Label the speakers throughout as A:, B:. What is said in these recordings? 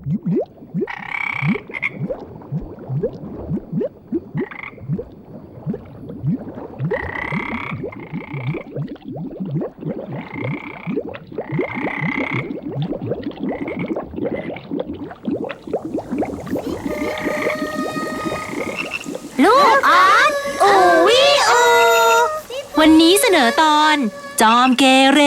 A: ลูกออสอูวิอูวันนี้เสนอตอนจอมเกเร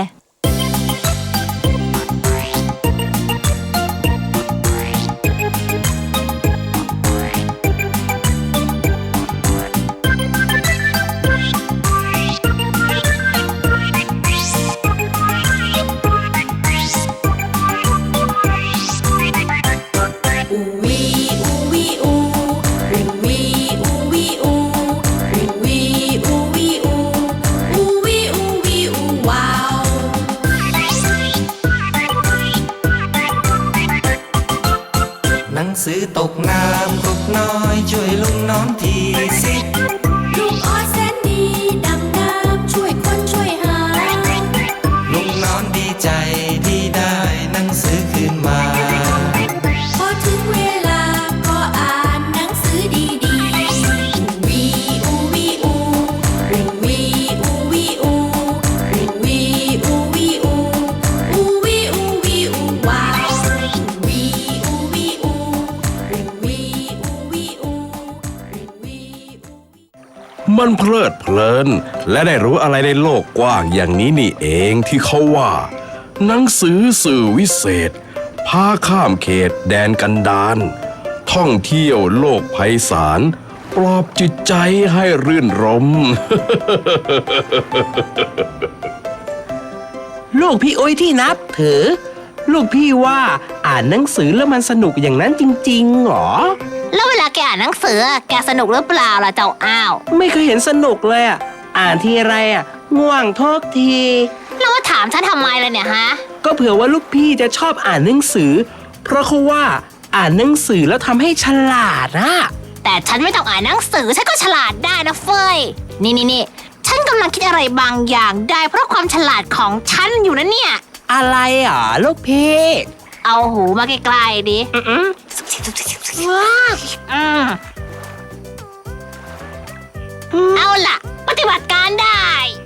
B: หนังสือตกน้ำกบน้อยช่วยลุงน้องทีสิ
C: ลุงออสแสนดีดำน้ำช่วยคนช่วยหา
B: ลุงน้องดีใจที่ได้หนังสือคืนมา
C: พอถึงเวลาก็อ่านหนังสือดีๆวีอูวีอูริงวีอูวีอูริงวีอูวีอูอูวีอูวีอูว้าววีอูวีอูริงวีอูวีอูริงวีอู
D: มันเพลิดเพลินและได้รู้อะไรในโลกกว้างอย่างนี้นี่เองที่เขาว่าหนังสือสื่อวิเศษพาข้ามเขตแดนกันดารท่องเที่ยวโลกไพศาลปลอบจิตใจให้รื่นรม
E: ลูกพี่โอ้ยที่นับถือลูกพี่ว่าอ่านหนังสือแล้วมันสนุกอย่างนั้นจริงๆหรอ
A: แล้วเวลาแกอ่านหนังสือแกสนุกหรือเปล่าล่ะเจ้าอ้าว
E: ไม่เคยเห็นสนุกเลยอ่านทีไรง่วงทุกที
A: แล้วมาถามฉันทำไมเลยเนี่ยฮะ
E: ก็เผื่อว่าลูกพี่จะชอบอ่านหนังสือเพราะเขาว่าอ่านหนังสือแล้วทำให้ฉลาด
A: แต่ฉันไม่ต้องอ่านหนังสือฉันก็ฉลาดได้นะเฟยนี่ฉันกำลังคิดอะไรบางอย่างได้เพราะความฉลาดของฉันอยู่นะเนี่ย
E: อะไรลูกพี่
A: เอาหูมาใกล้ๆดิเอาล่ะปฏิบัติการได้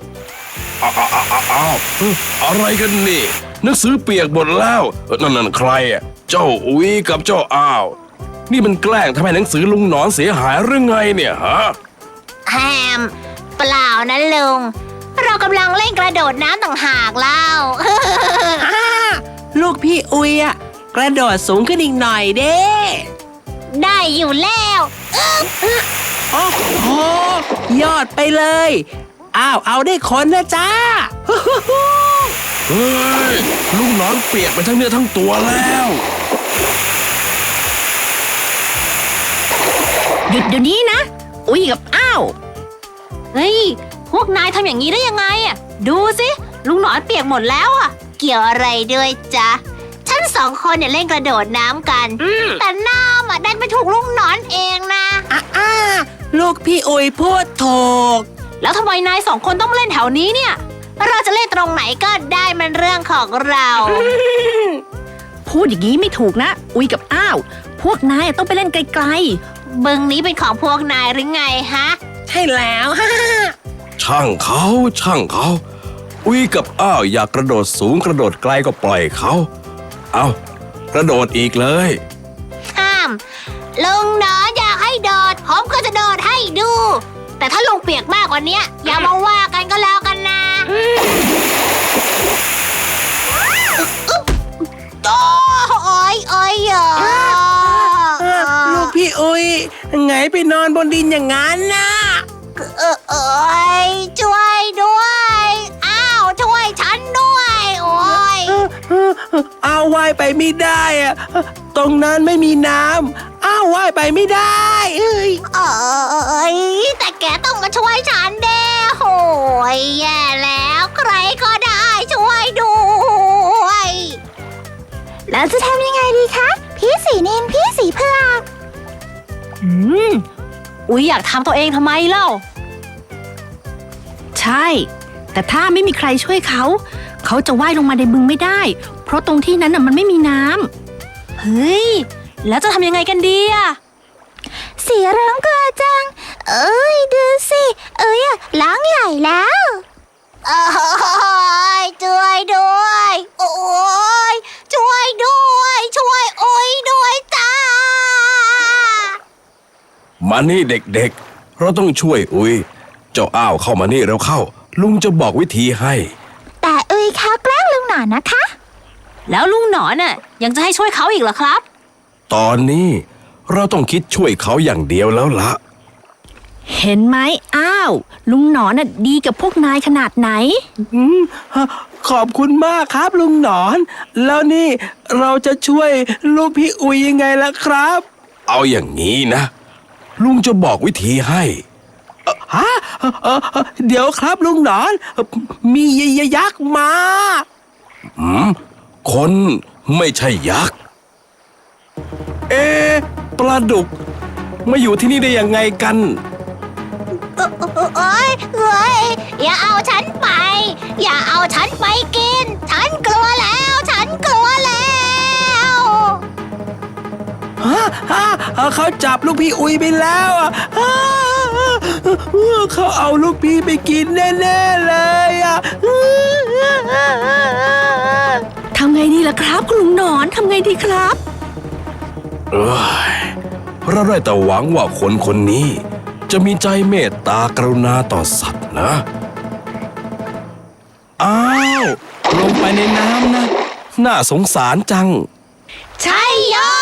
D: อ้าวอะไรกันนี่หนังสือเปียกหมดแล้วนั่นใครเจ้าอุ้ยกับเจ้าอ้าวนี่มันแกล้งทำให้หนังสือลุงหนอนเสียหายหรือไงเนี่ยฮะ
A: แฮมเปล่านะลุงเรากำลังเล่นกระโดดน้ำต่างหากเล่า
E: ลูกพี่อุ้ยกระโดดสูงขึ้นอีกหน่อยเด้
A: ได้อยู่แล้ว
E: โอ้โหยอดไปเลยเอาได้คนนะจ้า
D: เฮ้ยลุงหนอนเปียกไปทั้งเนื้อทั้งตัวแล้ว
A: หยุดเดี๋ยวนี้นะอุ้ยกับอ้าวเฮ้ยพวกนายทำอย่างนี้ได้ยังไงดูสิลุงหนอนเปียกหมดแล้วเกี่ยวอะไรด้วยจ๊ะฉัน2 คนเนี่ยเล่นกระโดดน้ำกันแต่น้ำดันไปถูกลุงหนอนเองนะ
E: ลูกพี่อุ้ยพูดถูก
A: แล้วทำไมนาย2 คนต้องมาเล่นแถวนี้เนี่ยเราจะเล่นตรงไหนก็ได้มันเรื่องของเรา
F: พูดอย่างนี้ไม่ถูกนะอุ้ยกับอ้าวพวกนายต้องไปเล่นไกล
A: ๆบึงนี้เป็นของพวกนายหรือไงฮะ
E: ใช่แล้ว
D: ช่างเขาอุ้ยกับอ้าวอยากกระโดดสูงกระโดดไกลก็ปล่อยเขาเอากระโดดอีกเลย
A: ห้ามลุงหนอนอยากให้โดดผมก็จะโดดให้ดูแต่ถ้าลุงเปียกมากกว่านี้อย่ามาว่ากันก็แล้วกันนะโอ้ย
E: ลูกพี่อุ้ยไงไปนอนบนดินอย่างนั้นนะ
A: ช่วยด้วยอ้าวช่วยฉันด้วยโอ้ย
E: เอาว่ายไปไม่ได้ตรงนั้นไม่มีน้ำว่ายไปไม่ได้
A: แต่แกต้องมาช่วยฉันเด้โอ้ยแย่แล้วใครก็ได้ช่วยด้วย
F: แล้วจะทำยังไงดีคะพี่สีนินพี่สีเผือก
A: อุ๊ยอยากทำตัวเองทำไมเล่า
F: ใช่แต่ถ้าไม่มีใครช่วยเขาจะว่ายลงมาในบึงไม่ได้เพราะตรงที่นั้นมันไม่มีน้
A: เฮ้ย แล้วจะทำยังไงกันดีอะ
G: เสียร้องกลัวจัง เอ้ยดูสิ เอ้ยร้องใหญ่แล้วโอ้ยช่วยด้วย โอ้ยช่วยด้วย ช่วยโอ้ยด้วยจ้า
D: มานี่เด็กๆ เราต้องช่วยอุ้ย เจ้าอ้าวเข้ามานี่เร็วเข้า ลุงจะบอกวิธีให้
G: แต่เอ้ยเขาแกล้งลุงหนอนนะคะ
A: แล้วลุงหนอนน่ะยังจะให้ช่วยเขาอีกเหรอครับ
D: ตอนนี้เราต้องคิดช่วยเขาอย่างเดียวแล้วละ
F: เห็นไหมอ้าว ลุงหนอนน่ะดีกับพวกนายขนาดไหน
E: ขอบคุณมากครับลุงหนอน แล้วนี่เราจะช่วยลูกพี่อุยยังไงล่ะครับ
D: เอาอย่างนี้นะ ลุงจะบอกวิธีให้
E: ฮะเดี๋ยวครับลุงหนอน มียักษ์มา
D: คนไม่ใช่ยักษ์ ปลาดุกมาอยู่ที่นี่ได้ยังไงกัน
G: โอ้ยเอ้ยอย่าเอาฉันไป อย่าเอาฉันไปกิน ฉันกลัวแล้ว ฉันกลัวแล้ว
E: เขาจับลูกพี่อุยไปแล้วอ่ะเขาเอาลูกพี่ไปกินแน่ๆเลยอ่ะ
F: ทำไงดีล่ะครับคุณลุงหนอนทำไงดีครับ
D: เราได้แต่หวังว่าคนคนนี้ จะมีใจเมตตากรุณาต่อสัตว์นะ อ้าว ลงไปในน้ำนะ น่าสงสารจัง
G: ใช่ยอ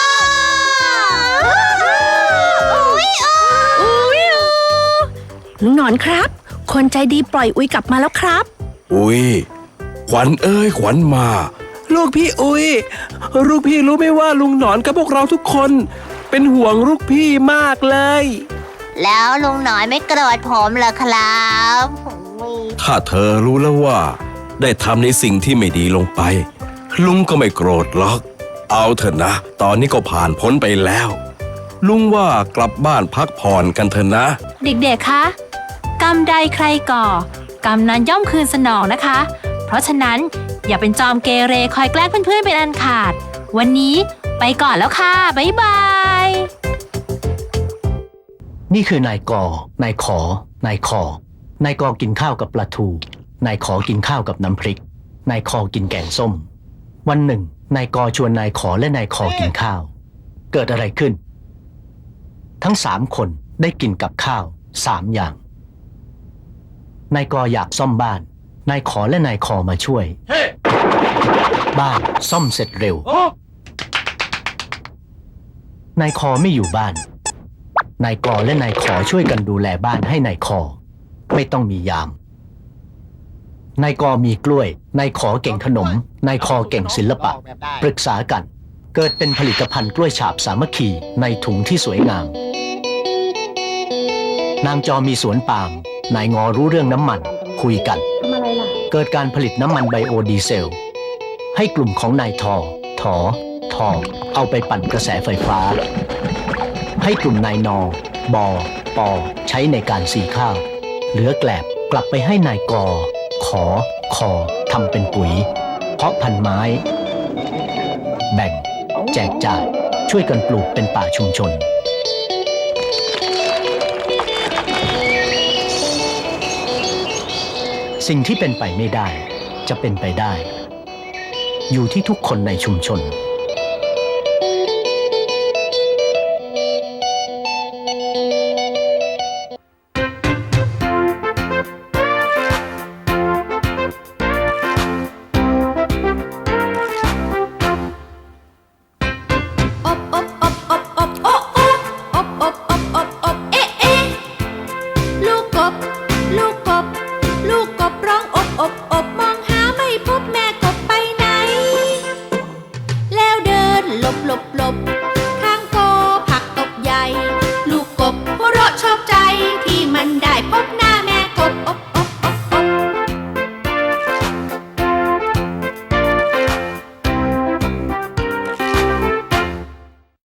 F: ลุงหนอนครับ คนใจดีปล่อยอุ้ยกลับมาแล้วครับ
D: อุ้ย ขวัญเอ้ยขวัญมา
E: ลูกพี่อุย ลูกพี่รู้ไหมว่าลุงหนอนกับพวกเราทุกคน เป็นห่วงลูกพี่มากเลย
G: แล้วลุงหนอนไม่โกรธผมเหรอครับ
D: ถ้าเธอรู้แล้วว่า ได้ทำในสิ่งที่ไม่ดีลงไป ลุงก็ไม่โกรธหรอก เอาเถอะนะ ตอนนี้ก็ผ่านพ้นไปแล้ว ลุงว่ากลับบ้านพักผ่อนกันเถอะนะ
A: เด็กๆ คะ กรรมใดใครก่อกรรมนั้นย่อมคืนสนองนะคะ เพราะฉะนั้นอย่าเป็นจอมเกเรคอยแกล้งเพื่อนๆเป็นอันขาด วันนี้ไปก่อนแล้วค่ะ บ๊ายบาย
H: นี่คือนายกนายขอนายคอนายกอกินข้าวกับปลาทูนายขอกินข้าวกับน้ำพริกนายคอกินแกงส้ม วันหนึ่งนายกอชวนนายขอและนายคอกินข้าว เกิดอะไรขึ้น ทั้ง3 คนได้กินกับข้าว3 อย่างนายกออยากซ่อมบ้านนายขอและนายคอมาช่วย บ้านซ่อมเสร็จเร็วนายคอไม่อยู่บ้านนายกอและนายขอช่วยกันดูแลบ้านให้นายคอไม่ต้องมียามนายกอมีกล้วยนายขอเก่งขนมนายคอเก่งศิลปะปรึกษากันเกิดเป็นผลิตภัณฑ์กล้วยฉาบสามัคคีในถุงที่สวยงามนางจอมีสวนปาล์มนายงอรู้เรื่องน้ำมันคุยกันเกิดการผลิตน้ำมันไบโอดีเซลให้กลุ่มของนายทอเอาไปปั่นกระแสไฟฟ้าให้กลุ่มนายนบปใช้ในการสีข้าวเหลือแกลบกลับไปให้นายกขอคอทำเป็นปุ๋ยเพาะพันธุ์ไม้แบ่งแจกจ่ายช่วยกันปลูกเป็นป่าชุมชนสิ่งที่เป็นไปไม่ได้จะเป็นไปได้อยู่ที่ทุกคนในชุมชน